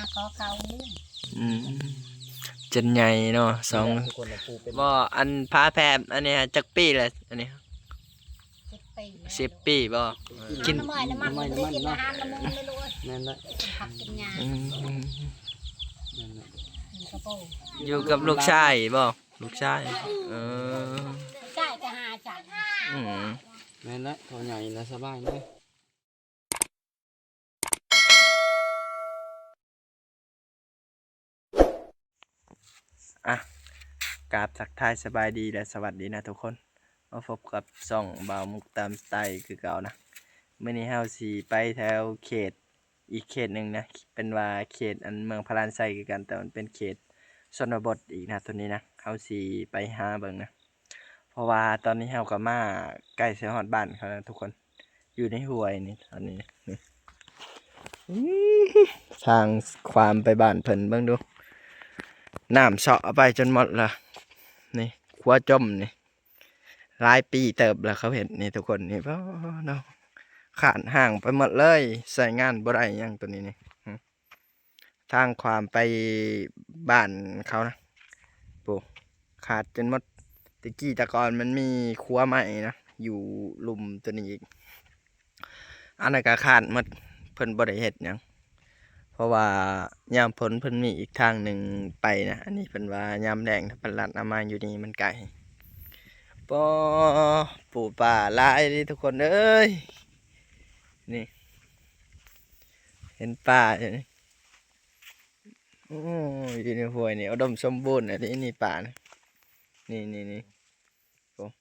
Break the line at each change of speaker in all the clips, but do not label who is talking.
ขอเขา
อืมจนใหญ่เนาะสองบ่อันพาแพรอันนี้จักปีแหละอันนี้10 ปีบ่
กินน้ำมันได้กินอาหารน้ำมันไม่รู้นั่นแหละผักกินยา
อยู่กับลูกชายบ่ลูกชาย
ใช่จะหาจัด
นั่นแหละเขาใหญ่แล้วสบายเลย
อ่ะกราบทักทายสบายดีและสวัสดีนะทุกคนมาพบกับช่องบ่าวมุกตามสไตล์คือเก่านะมื้อนี้เฮาสิไปแถวเขตอีกเขตหนึ่งนะเป็นว่าเขตอันเมืองพารานไซคือกันแต่มันเป็นเขตชนบทอีกนะตัวนี้นะเฮาสิไปหาเบิ่งนะเพราะว่าตอนนี้เฮาก็มาใกล้สิฮอดบ้านเขาแล้วทุกคนอยู่ในห้วยนี่ตอนนี้นี่ทางความไปบ้านเพิ่นเบิ่งดูน้ำเสาะไปจนหมดละนี่ขัวจมนี่หลายปีเติบแล้วเขาเห็นนี่ทุกคนนี่เพราะเนาะขาดห่างไปหมดเลยใส่งานบ่ได้ยังตัวนี้นี่ทางความไปบ้านเขานะปูขาดจนหมดตะกี้ตะกอนมันมีขัวใหม่นะอยู่ลุมตัวนี้อีกอันนั้นก็ขาดหมดเพิ่นบ่ได้เฮ็ดหยังเพราะว่ายามฝนเพิ่นมีอีกทางหนึ่งไปนะอันนี้เพิ่นว่ายามแดงถ้าเพิ่นลัดเอามาอยู่นี่มันไกลปอปู่ป่าหลายนี่ทุกคนเอ้ยนี่เห็นป่าอยู่นี่โอ้ยอยู่ในห้วยนี่อุดมสมบูรณ์อันนี้นี่ป่านะนี่โอ้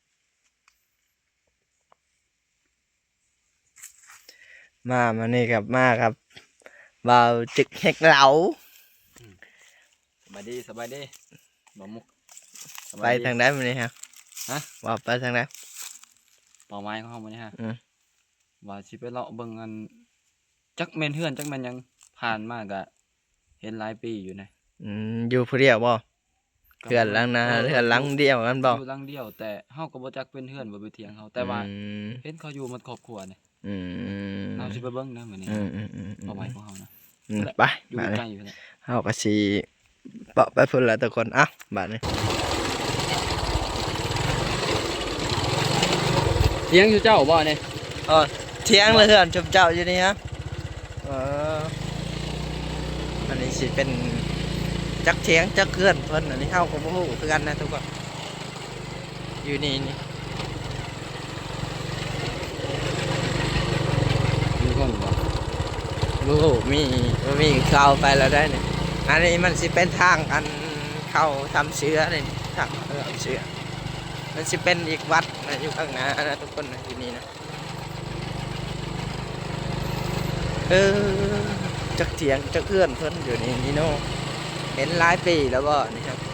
มานี่ครับมาครับบ่าวจึกเฮกเหลา
สบายดีบ่มุก
ไปทางไหนมาเนี่ยฮะว่าไปทางไหน
ป่าไม้ของเขามาเนี่ยฮะว่าสิไปเลาะเบิ่งอันจักแม่นเฮือนจักแม่นยังผ่านมากอะเห็นหลายปีอยู่นะ
อยู่ผู้เดียวบ่เฮือนหลังนะเฮือนหลังเดียวกันบ่
อยู่หลังเดียวแต่เฮาก็บ่จักเป็นเฮือนบ่ไปเถียงเขาแต่ว่าเห็นเขาอยู่หมดครอบครัวนี่เราสิไปเบิ่งนะมื้อนี้ป่าไม้ของเฮานะ
ไป
อยู่ใกล้อยู่นี่
เฮาก็สิเปาะไปพุ่นละทุกคนอ่ะบัดนี้
เถียงอยู่เจ้าบ่เนี่ย
เถียงเลยเฮือนชมเจ้าอยู่นี่ฮะอันนี้สิเป็นจักเถียงจักเฮือนเพิ่นอันนี้เฮาก็บ่ฮู้คือกันนะทุกคนอยู่นี่
มีคนบ่
บ่ฮู้มีข่าวไปแล้วได้นี่อันนี้มันสิเป็นทางอันเข้าทำเชื้อนี่ทางทำเชื้อมันสิเป็นอีกวัดนะอยู่ข้างหน้านะทุกคนนะอยู่นี่นะจักเถียงจักเอื้อนเพิ่นอยู่นี่โน่เห็นหลายปีแล้วบ่นี่ครับ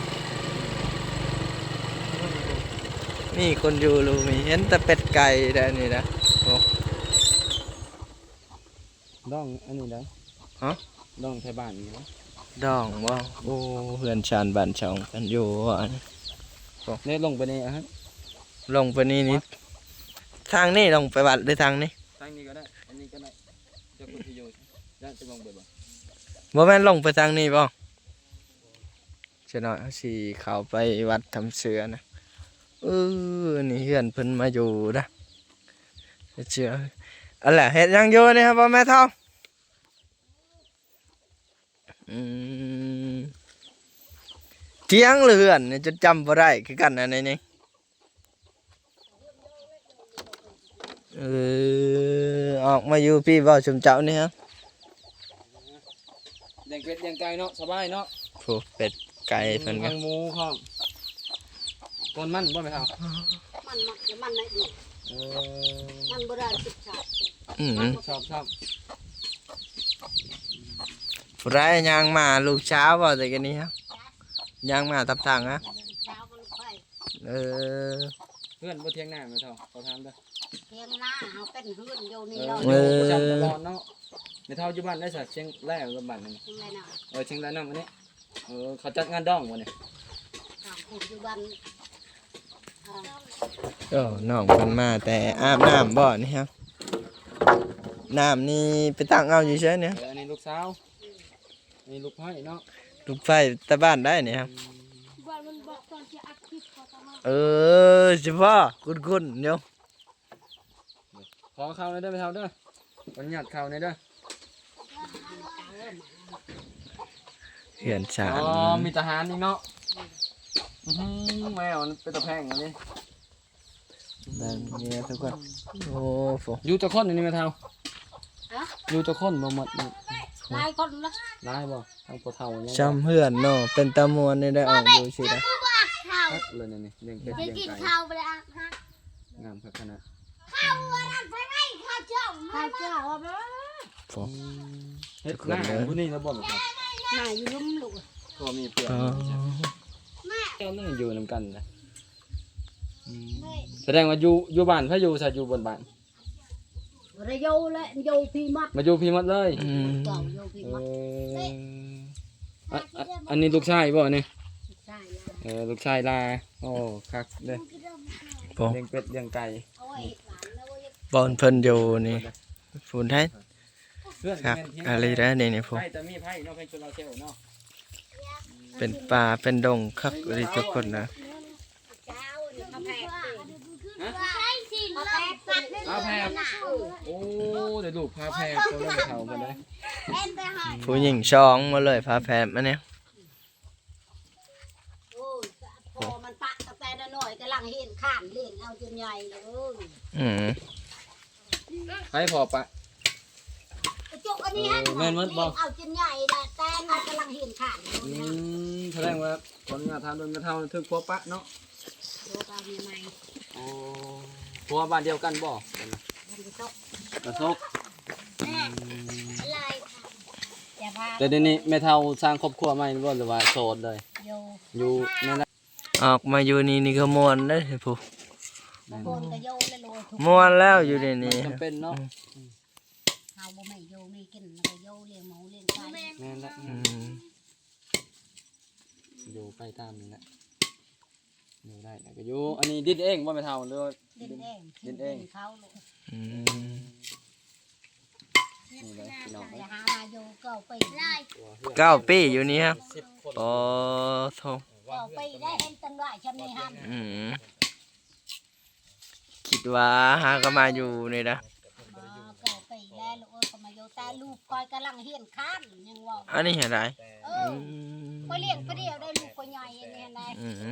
นี่คนอยู่รูมีเห็นแต่เป็ดไก่ได้นี่นะโอ้
ดองอันนี้ได้
ฮะ
ดองไทยบ้านนี่นะ
ดองบ่โอ้เฮือนชานบ้านช่องกันอยู่อัน
นี่ลงไปนี่ฮะ
ลงไปนี่ทางนี้ลงไปวัดหรือทางนี้
ก็ได้อันนี้ก็ได้จะคุณที่อยู่จะลงไปบ่
บ่แม่นลงไปทางนี้บ่จะน้อยสิเข้าไปวัดทำเสือนะนี่เฮือนเพิ่นมาอยู่นะเสืออันแหละเฮ็ดยังอยู่นี่ครับพ่อแม่เฒ่าเถียงเรือนนี่จะจำบ่ได้คือกันอันนี้ออกมาอยู่พี่บ่ชมเจ้านี่ฮะ
เลี้ยงเป็ดเลี้ยงไก่เนาะสบายเนาะ
โอ้เป็ดไก่เพิ่นก็
หมูครับต้นมันบ่แม่ครับ
มันไหนดิมันโบราณสิบชาติ
ชอบ
ผู้ร้ายย่างมาลูกเช้าบ่แต่กันนี้ฮะย่างมาทับทางฮะ
เพื่อนบ่เที่ยงหน้าแม่เฒ่าเขาถามเด้อ
เที่ยงหน้าเฮาเป็นเฮือนอยู่นี่
จำตลอดเนาะแม่เฒ่าอยู่บ้านได้สักเชียงแรกกับบ้านนั่นเชียงรายน้ำอันนี้เขาจัดงานดองบ่เนี่ย
อยู่บ้าน
น้องเพิ่นมาแต่อาบน้ำบ่นี่ฮะน้ำนี่ไปตั้งเอาอยู่เฉยเนี่ย
อันนี้ลูกสาวนี่ลูกไผ่เนาะ
ลูกไฟตะบ้านได้นี่ครับ
บ้านมันบอกตอนจะอัดคลิปพอตะมา
เฉพาะคุณเดี๋ยว
ขอเข้าเลยเด้อไปเท่าเด้อวันหยัดเข้าเลยเด้อ
เหือนชา
อ๋
น
อมีทหารนี่เนาะแมวมันเป็นตะแพงอันนี้
นั่นเนี่ยทุกคนโอ้โห
อยู่จะค้นอันนี้ไหมเท่าอยู่จะค้นบ่หมดนี่
หลายคนละ
ได้บ่ทางปะเท่าเนี่ย
จำเหือนเนาะเป็นตะมวนนี่ได้ออกดูสินะ
ข้าว
ฮักเลยนี่เลี้ยงเป็ด
จะ
เลี้ยง
กิน
ไก่
ข้าวไปแล้วฮะ
งามขนาด
ข้าวเจ้าว่าบ่
โอ้
เฮ็ดหน้าผู้นี้แล้วบ่ครับ
น่าอยู่ลุ่มลูก
ก็มีเพื่อน
อ๋อ
เจ้านั่งอยู่นำกันนะแสดงว่าอยู่บ้านพะอยู่ซะอยู่บนบ้าน
ระโยและโยพีมัด
มาอยู่พี่หมดเลย
อืม
เก่าโยพีมัด
อันนี้ลูกชายบ่นี่
ใช่แล้ว
ลูกชายลาโอ้คักเด้อ
โอ้
เลี้ยงเป็ดเลี้ยงไก่
เอาไว้หลานแล้วไว้
บอลเพิ่นอยู่นี่ฝุ่นไทย
เพื่อน
ครับอะไรนะนี่พวก
ไผ่แต่มีไผ่เนาะไผ่โซลาร์เซลล์เนาะ
เป็นป่าเป็นดงครับอะไรทุกคนนะ
เจ้าเนี่ยมาแพก
พาแพรโอ้เดี๋ยวลูกพาแพรเขาเริ่มเฒ่าหมดเลย
ผู้หญิงช้องมาเลยพาแพรมาเนี่ย
โอ้ยพอมันปะตั้งแต่น้อยกำลังเห็นข้านเล่นเอาจนใหญ่เลย
อืม
ให้พอปะ
จุกอันนี้ฮะ
แม่นมั้ยบ่
เอาจนใหญ่ละแต่มันกำลังเห็นข้าน
แสดงว่าคนงานทำโดนกระเท่าถึกพอปะเนาะ
ดูตามีไหม
อ๋อพัวบ้านเดียวกันบ่
มันจะตก
กระทบ
อะไรอย่าพา
แต่เดี๋ยวนี้แม่เฒ่าสร้างครอบครัวใหม่บ่หรือว่าโสดเลย
โย
อยู่นั่นแหละ
ออกมาอยู่นี่ก็มวนเลยผู้
โกนก็โยเลยโลทุก
มวนแล้วอยู่ในนี้
จำเป็นเนาะ
เฮาบ่ไม่โยไม่กินแล้วก็โยเลี้ยงหมูเลี้ยงไก่
แม่นละ
อืม
อยู่ใกล้ตามนี่แหละอยู่ได้แล้วก็อยู่อันนี้ดินเองบ่แม่เฒ่าหรือว่า
ดินเอง
ดินเอง
เขาลูก
อืม
นี่เลยพี่น้อง
อย่าหามาโยก็ไปได้
9 ปีอยู่นี่ครับ
10 คน
โอ้โถ
ก็ไปได้เห็นตังหลายชำนี้ฮัน
อืมคิดว่าหาก็มาอยู่นี่นะ
ก็ไปแล้วลูกเอ้ยก็มาโยแต่ลูกคอยกำลังเฮียนข้านยังว่า
อันนี้เห็นไร
เออไปเลี้ยงไปเดียวได้ลูกก็ใหญ่อันนี้นะ
อืม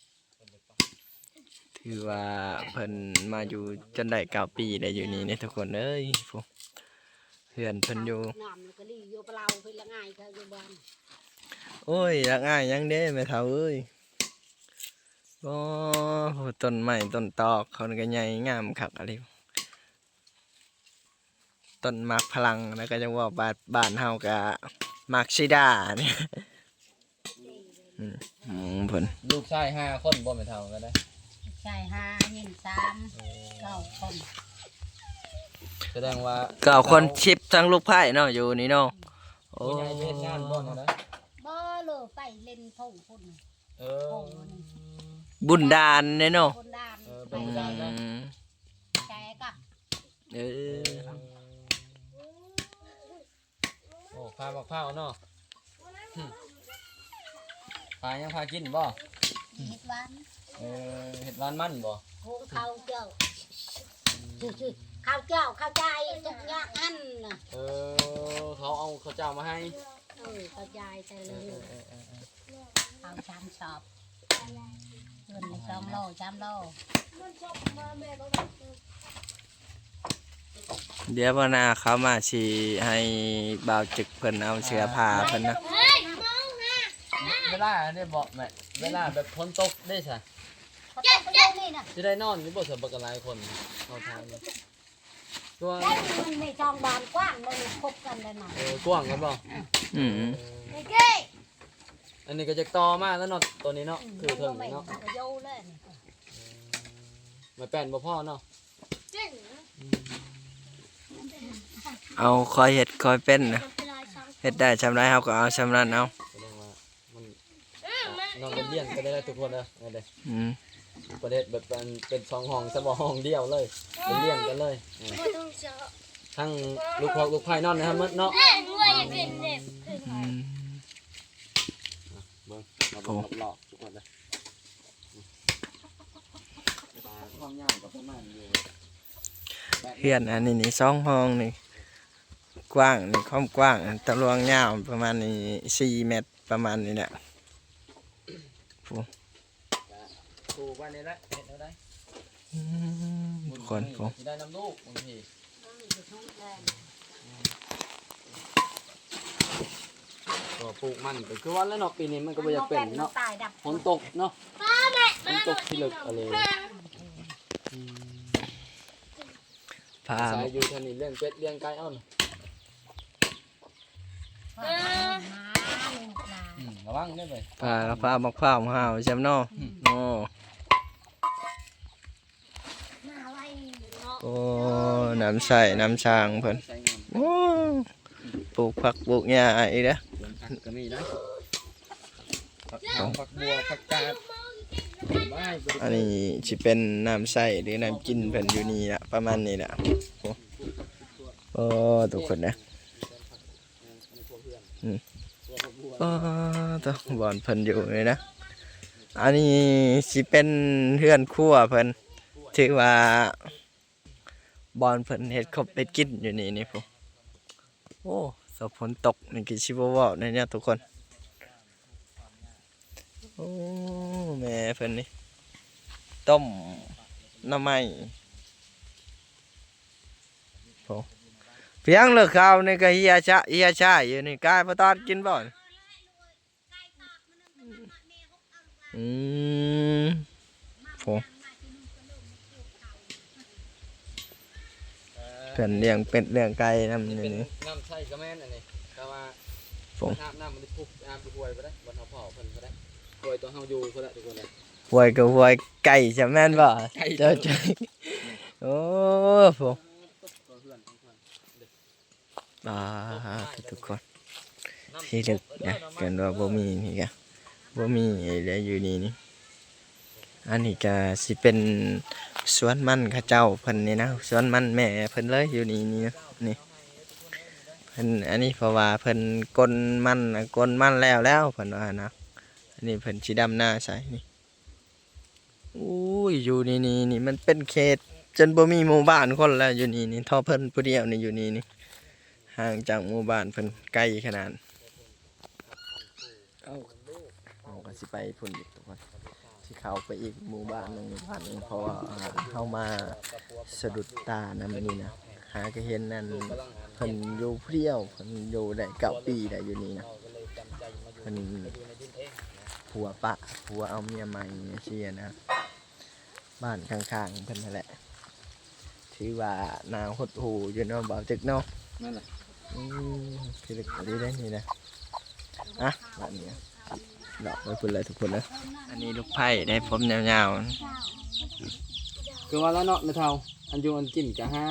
ถือว่าเพิ่นมาอยู่จนได้9 ปีได้อยู่นี่เนี่ยทุกคนเอ้ยพวกเพื่อนเพิ่นอยู่
น้ำก็รีโยเปล่าเพิ่นละง่ายค่ะอยู่บ้าน
โอ้ยรักง่ายยังเด้แม่เฒ่าเอ้ยโอ้โหต้นไม้ต้นตอกเขาก็ใหญ่งามคักอะไรต้นมักพลังแล้วก็จังว่าบ้านเฮาก็มักซิดาเนี่ยเพิ่น
ลูกชาย5คนบ่แม่เฒ่าก็ได้
ใช่ห้าเงิน3 9 คน
แสดงว่า
ก็เอาคนชิปทั้งลูกไผ่เนาะอยู่นี่เนาะโอ้
ผู้ใหญ่ไปเฮ็ดงานบ่นะ
บ่เลยไปเล่นทุ่งพุ่น
เอ
โอ้
อ
บุญดานเนี่ยเนาะ
คนดาน
เออ
ไป
เป็น
แ
ดานนะ
ชร์กับ
เออ
โอ้พาบักพร้าวเนาะพายังพากินบ่
เฮ็ดหวาน
เฮ็ดหวานมันบ่
โคข้าวเจ้าชื่อข้าวเจ้าข้าวใจทุกอย่างอันน่ะ
เขาเอาข้าวเจ้ามาให้
ข้าวใจแต่เลยข้าวชามชอบเงิน2 โล3 โล
เดี๋ยววันหน้าเขามาสิให้บ่าวจึกเพิ่นเอาเสื้อผ้าเพิ่นนะ
เวลาได้บ่แม่เวลาแบบฝนตกได้ซะ
เขาต้องไปเล่นนี่น่ะ
สิได้นอนอยู่บ่สำบักหลายคนเข้าทางนี่ตัว
ได้มันไม่ช่องบานกว้างเลยคบกันเลยน่ะ
กว้างกันบ่
อืม
เก้
อันนี้ก็จะต่อมาแล้วเนาะตัวนี้เนาะคือเพิ่ง
ไม่
เนาะ
ก็โยเลย
มาแป้นบ่พอเนาะ
เอาคอยเฮ็ดคอยเป็นนะเฮ็ดได้ชำไรเฮาก็เอาชำนั้นเอา
แสดงว่ามันน้องเรียนก็ได้ทุกคนเด้อเด้
อืม
ประเทศแบบเป็น2ห้องซะบ่ห้องเดียวเลยเรียนกันเลยทั้งลูกพ่อลูกไผ่นอนนะครับเนาะ
อืม
หลอกทุกคนเลยความยาวกับประมาณอยู่
เฮือนอันนี้นี่2 ห้องนี่กว้างนี่ความกว้างตารางยาวประมาณนี้4 เมตรประมาณนี้แหละ
ถูกวันนี้แหละเห็นแล้วได้
ทุกคนผม
ได้น้ำลูกบางทีก็ปลูกมันก็คือวันแล้วเนาะปีนี้มันก็บ่อยากเป็นเนาะ
ตายดับ
ฝนตกเนาะฝนตกที่ลึกอะไร
พา
สายอยู่ทางนี้เลี้ยงเป็ดเลี้ยงไก่เอ้าน่ะ ระวังได้เลย
พามักพร้าวมาหาวใช่ไหมเนาะโอ้โอ้น้ำใส่น้ำช้างเพิ่น
ใช้งาน
โอ้ปลูกผักปลูกหญ้าอีกเด้อ
สวนผักก็มีนะผักหอมผักบัวผักกาดบ้าย
อันนี้สิเป็นน้ำใส่หรือน้ำกินเพิ่นอยู่นี่ละประมาณนี้แหละโอ้โอ้ทุกคนนะโอ้ตัวบอนเพิ่นอยู่เลยนะอันนี้สิเป็นเฮือนครัวเพิ่นถือว่าบอนเพิ่นเฮ็ดครบเป็ดกินอยู่นี่พวกโอ้สฝนตกนี่คือชิบว่าวเนี่ยทุกคนโอ้แม่เพิ่นนี่ต้มหน้ำไม้โอ้เพียงเลิกข้าวนี่ก็เฮียชาอยู่นี่กายพอตอนกินบ่อืมโอ้เพิ่นเลี้ยงเป็ดเลี้ยงไก่นำนี่นี่
น้ำใช่ก็แม่นอันนี้แต่ว่า
ผม
น้ำมันได้พุกน้ำไปห่วยไปได้บนเขาเผาเพิ่นไปได้ห่วยตัวเฮาอยู่เพิ่นละทุกคนเลย
หวยกับหวยไก่จะแม่นบ่
ไก่
เจ้าใจโอ้ผม
ตัวเพื่อนของเพิ่น
ทุกคนที่ลึกนะกันว่าบ่มีนี่กะบ่มีอะไรอยู่นี่นี่อันนี้ก็สิเป็นสวนมันเข้าเจ้าเพิ่นนี่นะสวนมันแม่เพิ่นเลยอยู่นี่นี่นะนี่เพิ่นอันนี้เพราะว่าเพิ่นกลมันน่ะกลมันแล้วเพิ่นว่านะอันนี้เพิ่นสิดำหน้าใส่นี่อุ้ยอยู่นี่มันเป็นเขตจนบ่มีหมู่บ้านคนแล้วอยู่นี่ท่อเพิ่นผู้เดียวนี่อยู่นี่ห่างจากหมู่บ้านเพิ่นไกลขนาดเอาก็สิไปพุ่นอีกทุกคนสิเข้าไปอีกหมู่บ้านหนึงเพราะว่าเข้ามาสะดุดตานำนี่นะหาก็เห็นนั่นเพิ่นอยู่ผู้เดียวเพิ่นอยู่ได้9 ปีได้อยู่นี่นะเพิ่นผัวเอาเมียใหม่เชียนะบ้านข้างๆเพิ่นนั่นแหละถือว่านาหดหูอยู่เนาะบ่าวตึกเนาะ
นั่นแหละ
คือเล็กดีได้นี่นะอ่ะบ้านนี้ดอกไว้พุ่นเลยทุกคนนะอันนี้ลูกไผ่ได้ผมยาว
คือว่าแล้วเนาะไม่เท่าอันอยู่อันกินกะฮะ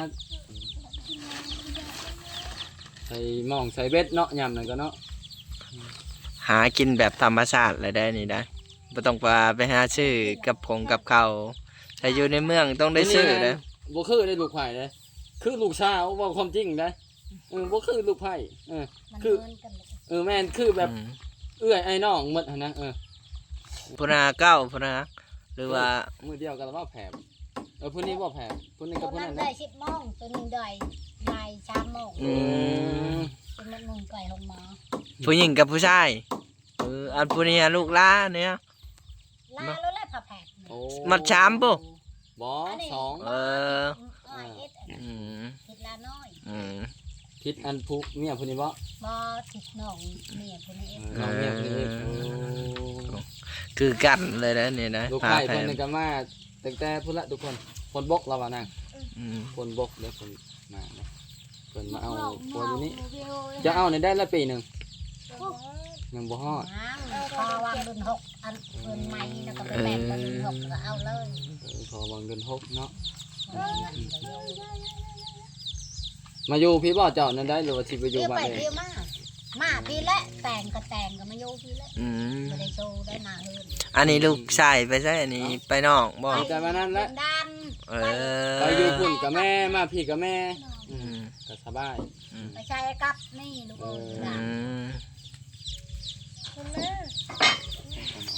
ใส่หม้องใส่เบ็ดเนาะยำนั่นก็เนาะ
ๆหากินแบบธรรมชาติเลยได้นี่ได้ไม่ต้องไปหาซื้อกับข้าวถ้าอยู่ในเมืองต้องได้ซื้อนะ
บ่คือได้ลูกไผ่เลยคือลูกสาวว่าความจริงได้บ่คือลูกไผ่แม่นคือแบบเอื้อยไอ้น้องหมดหั่นนะ
พุนาเก้าพุนาหรือว่า
มือเดียวกันแล้วว่าแผลผู้นี้บ่แผลผู้นี้กับผู้นั้น
ได้
นะ
10 โมงตัวนึงได้บ่าย3 โมงเป็นมันนุ่งไก่ของหมอ
ผู้หญิงกับผู้ชายอันผู้นี้ลูกหล้าเนี่ย
ลาแล้วแหละผ่าแผด
มัดชามปุ๊
บ่2
อ้อยผิดลาน้อย
คิดอันผู้เมียผู้นี้บ่
บ่ผิดน้องเมียผู้นี้
น้องเมียผู้นี้
คือกันเลยนะนี่นะ
ลูกไผ่เพิ่นนี่ก็มาตั้งแต่พุ่นละทุกคนคนบกเราว่านั่งคนบกแล้วคนมาเพิ่นมาเอาผัวอยู่นี่จะเอาในได้ละปีหนึงยังบ่ฮอด
พอวางเดือน6อันเดือนใหม่แล้วก็ไปแบ่งเดือน6ก็เอาเลย
พอวางเดือน6เนาะมาอยู่พี่บ่เจ้านั่นได้หรือว่าสิไปอยู่
เที่ยว
บ้า
ไป
นเอ
เที่ย
ง
วมาพี่และแต่งก็มาอยู่พี่และไม่ได้โชว์ได้มาเฮือน
อันนี้ลูกชายไปใช่อันนี้ไปนอกบ่
แต่มานั้นแหละ
ดัน
ไปอยู่พุ่นกับแม่มาพี่กับแม่ก็สบาย
ไปใช้กับนี่ลูกเอ้ย
อืม
เ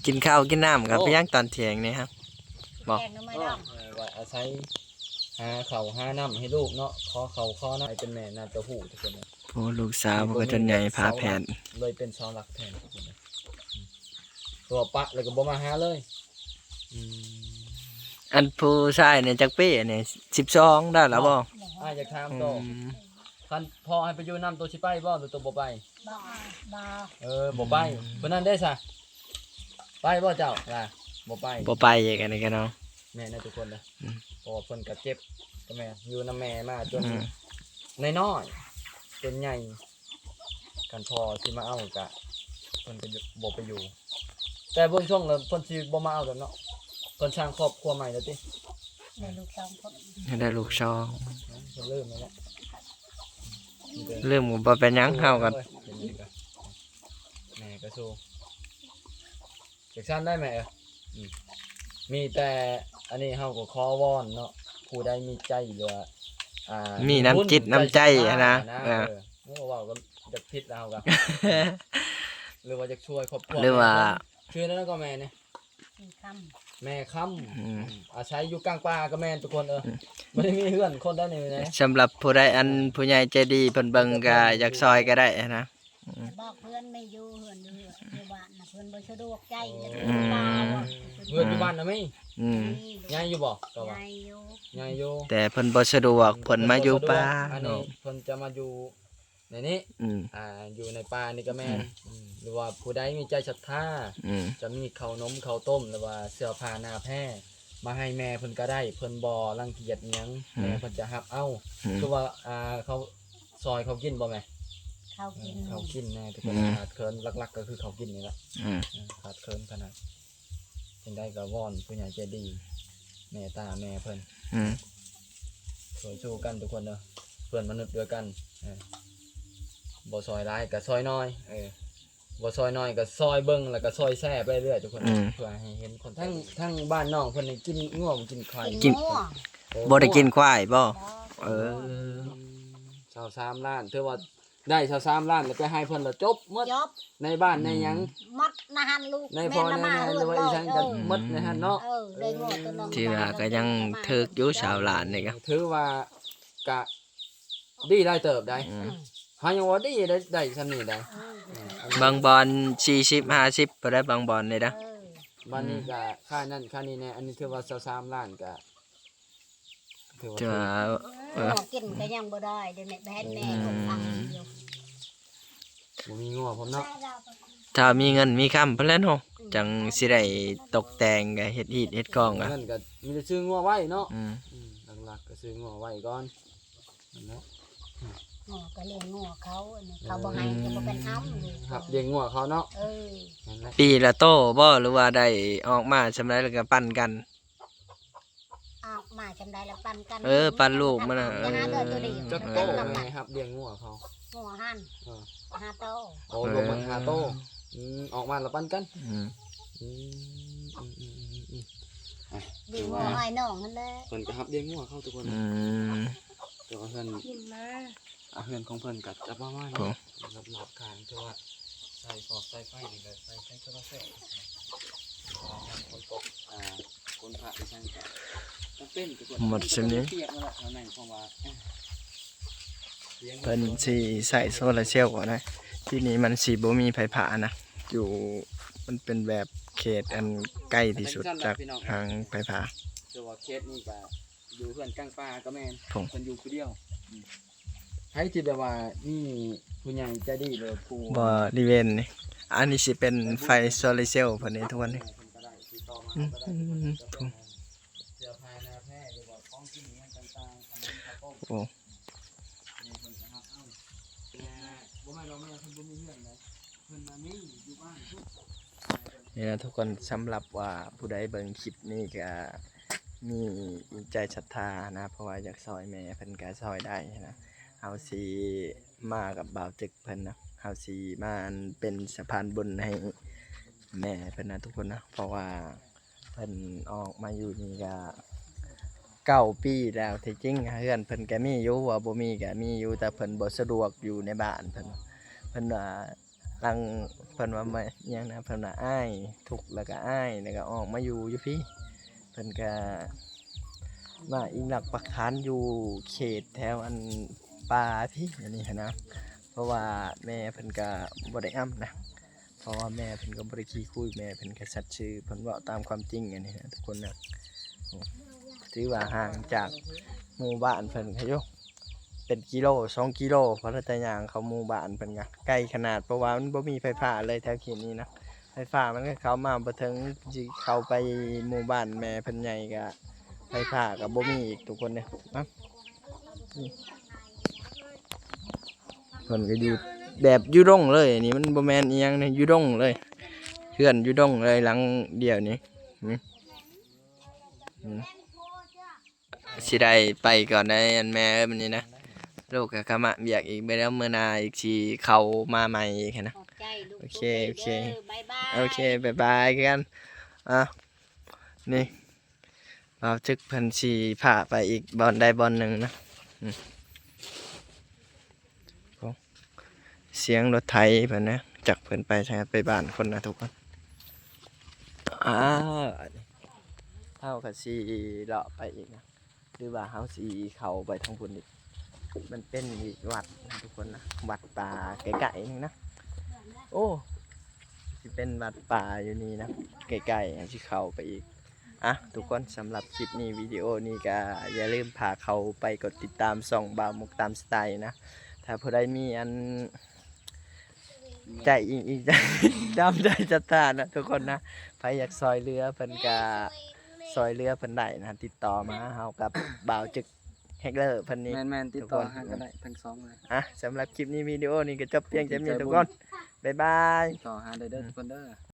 กินข้าวกินน้ำกับไปย่างตอนเที่ยงนี่ครับ บอก
แกงก็ไม่ดอง
ว่าอาศัยหาข้าวหาน้ำให้ลูกเนาะขอข้าวขอน้ำให้เป็นแม่น่าจะหูทุกคนนะ
โอ้ลูกสาวก็จนใหญ่พาแผ่น
เลยเป็นเสาหลักแทนทุกคนนะตัวปะเลยก็บ่มาหาเลยอืม
อันผู้ชายเนี่ยจักปีเนี่ย12ได้แล้วบ่
อ้ายอยากถามโตคันพ่อให้ไปอยู่น้ำตัวสิไปบ่หรือตัวบ่ไป
บ่บ่
บ่ไปเพิ่นนั้นได้ซะไปบ่เจ้าล่ะบ่ไป
บ่ไปอีกอันนี้กันเนาะ
แม่นะทุกคนนะ
อืม
เพราะว่าเพิ่นก็เจ็บก็แม่อยู่นำแม่มาจน
อืม
น้อยๆจนใหญ่กันพอสิมาเอาก็เพิ่นก็บ่ไปอยู่ แต่เบิ่งช่วงแล้วเพิ่นสิบ่มาเอาแล้วเนาะเพิ่นสร้างครอบครัวใหม่แล้วติ
ในลูกสองคน
ได้ลูกชอง
เพิ่นเริ่มแล้วเนาะ
เริ่มบ่เป็นหยังเฮากัน
แม่ก็สู้จักซั่นได้ไหมอืมมีแต่อันนี้เฮาก็ขอวอนเนาะผู้ใดมีใจหรือว่า
มีน้ำจิตน้ำใจอะนะ
เออว่าก็จะผิดแล้วก็ หรือว่าจะช่วยครอบครัว
หรือว่า
ชื่อนั้นก็แม่เนี่ย
สี่ค
แม่ค้
อืม
ำอาศัยอยู่กลางป่าก็แม่นทุกคนไม่ได้มีเพื่อนคนได้นี่นะ
สำหรับผู้ใดอันผู้ใหญ่ใจดีเพิ่นเบิ่งก็อยากซอยก็ได้นะ
ำบอกเพื่อนไม่อยู่เพื่อนอยู่บ้านนะเพื่อนบ่สะดวกใจจะ
อืม
ตาบ่
เพื่อนอยู่บ้านนะไหม
อืม
ยายอยู่บ่ก็ว่า
ใหญ่อยู่
ยายอยู่
แต่เพิ่นบ่สะดวกเพิ่นมาอยู่ป่า
อันนี้
เนาะ
เพิ่นจะมาอยู่ในนี้
อืม
อยู่ในป่านี่ก็แม่นหรือว่าผู้ใดมีใจศรัทธา
อืม
จะมีข้าวนมข้าวต้มหรือว่าเสื้อผ้าหน้าแพร่มาให้แม่เพิ่นก็ได้เพิ่นบ่รังเกียจอิหยังแม่เพิ่นจะรับเอา
อืม
คือว่าเขาซอยเขากินบ่แม่
เขากิน
เขากินแน่ทุกคน
อืม
ขาดเคินหลักๆก็คือเขากินนี่แหละ
อืม
ขาดเคินขนาดจังได้ก็วอนผู้ใหญ่ใจดีแม่ตาแม่เพิ่น
อืม
ช่วยสู้กันทุกคนเด้อเพื่อนมนุษย์ด้วยกันบ่ซอยร้ายก็ซอยน้อยบ่ซอยน้อยก็ซอยเบิ่งแล้วก็ซอยแซ่ไปเรื่อยทุกคนเพื่อให้เห็นคนทั้งบ้านน้องเพิ่นนี่กินง่วงกินไข่
กินงัว
บ่ได้กินควายบ่
บ่
เออ
ชาว3ล้านถือว่าได้ชาว3ล้านแล้วไปให้เพิ่นแล้วจบหมด
ยบ
ในบ้านในหยัง
มัดนะฮันลูก
ในพ่อในแม่หรือว่าอีสังก็หมดในหั่นเนาะ
ได้งัวตัวนึง
ที่ว่าก็ยังถึกอยู่ชาวหลานนี่ก็
ถือว่ากะดีได้เติบได้
อืม
เฮายังว่าดีได้ซำนี้ได้
บางบอล40 50บ่ได้บางบอลนี่นะ
บ้านนี้ก็ค่านั่นค่านี้แน่อันนี้ถือว่า23ล้านก็ถือว่า
จะว่าเออ
กินก็ยังบ่ได้เดี๋ยวแม่แบนแม่ของทางเดียว
บ่มีงัวผมเนาะ
ถ้ามีเงินมีคำเพิ่นแหล้วเนาะจังสิได้ตกแต่งก็เฮ็ดฮีดเฮ็ดกองอ่ะ
เงินก็มีแต่ซื้องัวไว้เนาะ
อืม
หลักๆก็ซื้องัวไว้ก่อนนั่นแหละ
งัวก็เลี้ยงงัวเขาอันนี้เขาบ่ให้ก็บ่เป็นอ้ำลูก
ครับเลี้ยงงัวเขาเนาะ
นั่นแหละ
ปีละโตบ่หรือว่าได้ออกมาสำาไรแล้วก็ปั่นกัน
อ้าวมาจำได้แล้วปันกัน
ปั่นลูกมันน่ะ
อย่าหาเดือดตัวเดียว
จักโตไงครับเลี้ยงงัวเขา
งัวหั่น
เออ
หาโต
โอ้รวมมัน5โตออกมาแล้วปั้นกัน
อืม
อืม
ดีงัวให้น้องนั่นแหละ
เพิ่นก็ครับเลี้ยงงัวเขาทุกคน
อืม
แต่ว่าเพิ่น
กินมา
เพื่อนของเพิ่นก็จะประมาณ
โอ้
นี้รอบๆข้างคือว่าใส่ฟอกใส่ไฟนี่ก็ใส่โซลาร์เซลล์คนตกคนพระอีสังก็จำเป็นทุกคน
หมดสินี้
เปียกมาแล้วเอาแม่นเพราะว่า
เพิ่นสิใส่โซลาร์เซลล์ก่อนนะที่นี่มันสิบ่มีไฟฟ้านะอยู่มันเป็นแบบเขตอันใกล้ที่สุดจากทางไฟฟ้า
แต่ว่าเคสนี่ก็อยู่เพื่อนกลางป่าก็แม่น
ผม
เพิ่นอยู่ผู้เดียวให้ที่แบบว่านี่ผู้ใหญ่ใจดีเลยผู้
บ่ริเวณนี่อันนี้สิเป็นไฟโซลาร์เซลล์เพิ่นนี่ทุกวันนี้
เพิ่นก็ได้ติดต่อมา
อืม
ก็ได้
อืม
เสื้อผ้าหน้าแพร่หรือว่าของกินอิหยังต่างๆขนมข้าวต้ม
โอ้
เนี่ยเพิ่นจะรับเอาบ่แม่นเราแม่เพิ่นบ่มีเงินเลยเพิ่นมานี่อยู่บ้านทุก
นี่นะทุกคนสำหรับว่าผู้ใดเบิ่งคลิปนี้ก็มีใจศรัทธานะเพราะว่าอยากซอยแม่เพิ่นก็ซอยได้นะเฮาสิมากับบ่าวตึกเพิ่นนะเฮาสิมาเป็นสะพานบุญให้แม่เพิ่นนะทุกคนนะเพราะว่าเพิ่นออกมาอยู่นี่ก็9 ปีแล้วที่จริงเฮือนเพิ่นก็มีอยู่ว่าบ่มีก็มีอยู่แต่เพิ่นบ่สะดวกอยู่ในบ้านเพิ่นว่าหลังเพิ่นว่าไม่อิหยังนะเพิ่นว่าอ้ายทุกข์แล้วก็อ้ายแล้วก็ออกมาอยู่พี่เพิ่นก็มาอิงหลักปักฐานอยู่เขตแถวอันป่าพี่อันนี้หั้นนะเพราะว่าแม่เพิ่นก็บ่ได้อ้ำนะเพราะว่าแม่เพิ่นก็บ่ได้ขี้คุยแม่เพิ่นก็สัตย์ซื่อเพิ่นเว้าตามความจริงอันนี้นะทุกคนนะถือว่าห่างจากหมู่บ้านเพิ่นค่ะโยเป็นกิโล2กิโลเพราะถ้าจะย่างเข้าหมู่บ้านเพิ่นก็ใกล้ขนาดเพราะว่ามันบ่มีไฟฟ้าเลยแถวเขตนี้นะไฟฟ้ามันก็เข้ามาบ่ถึงสิเข้าไปหมู่บ้านแม่เพิ่นใหญ่ก็ไฟฟ้าก็บ่มีอีกทุกคนเนี่ยเพิ่นก็อยู่แบบอยู่ดงเลยอันนี้มันบ่แม่นอีหยังนะอยู่ดงเลยเฮือนอยู่ดงเลยหลังเดียวนี้สิได้ไปก่อนได้อันแม่มันนี่นะลูกก็กะมาอยากอีกไปแล้วมื้อหน้าอีกสิเข้ามาใหม่อีกนะ
ขอบใจลูก
โอเค
ด้
โอเค
บ๊ายบาย
โอเคบ๊ายบายกันนี่เราจึกเพิ่นสิพาไปอีกบอนใดบอนหนึ่งนะเสียงรถไถเพิ่นนะจากเพิ่นไปใช่ไปบ้านคนนะทุกคนเฮาก็สิเลาะไปอีกนะหรือว่าเฮาสิเข้าไปทางพุ่นอีกมันเป็นอีกวัดนะทุกคนนะวัดป่าไกลๆนึงนะโอ้สิเป็นวัดป่าอยู่นี่นะไกลๆสิเข้าไปอีกทุกคนสำหรับคลิปนี้วิดีโอนี้ก็อย่าลืมพาเขาไปกดติดตามส่องบ่าวมุกตามสไตล์นะถ้าผู้ใดมีอันใจอีกใจดำใจจัดทานนะทุกคนนะใครอยากซอยเรือเพิ่นก็ซอยเรือเพิ่นได้นะติดต่อมาเฮากับบ่าวจึกแฮกเลอร์เพิ่นนี่
แมนติดต่อหาก็ได้ทั้งสองเลย
สำหรับคลิปนี้วิดีโอนี้ก็จบเพียงแค่นี้ทุกคน บ๊ายบาย
ต่อหาได้เด้อทุกคนเด้อ